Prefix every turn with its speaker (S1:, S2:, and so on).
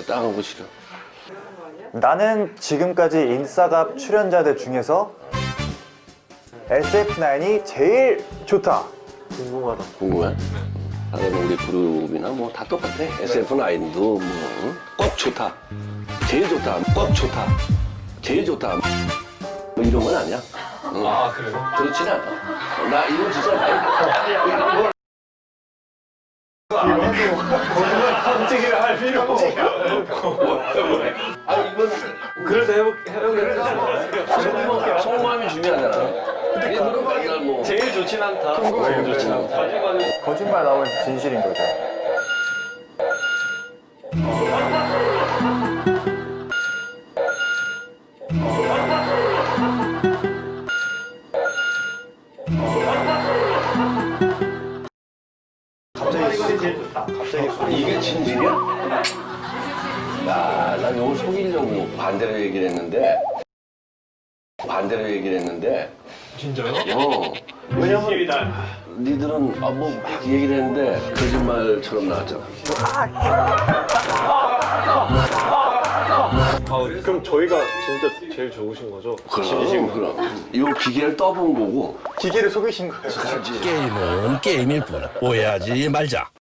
S1: 딱 하고 싫어.
S2: 나는 지금까지 인싸갑 출연자들 중에서 SF9이 제일 좋다.
S1: 궁금해? 당연히 우리 그룹이나 뭐 다 똑같아. SF9도 뭐 꼭 좋다. 제일 좋다. 꼭 좋다. 제일 좋다. 뭐 이런 건 아니야. 응.
S3: 아, 그래요?
S1: 그렇진 않아. 나 이거 진짜 많이
S3: 깜찍이를 할 필요가 없어.
S1: 아 이건
S3: 그래도 해보겠습니다.
S1: 속마음이 중요하잖아. 이거는 맨날 뭐
S3: 제일 좋진 않다. 제일 좋진 않다.
S2: 거짓말 나오면 진실인 거죠.
S1: 이게 진실이야? 야, 난 이걸 속이려고 반대로 얘기를 했는데
S3: 진짜요?
S1: 왜냐면 니들은 뭐 막 얘기를 했는데 거짓말처럼 나왔잖아.
S4: 그럼 저희가 진짜 제일 좋으신 거죠?
S1: 그럼 이 기계를 떠본 거고
S2: 기계를 속이신 거예요.
S5: 게임은 게임일 뿐 오해하지 말자.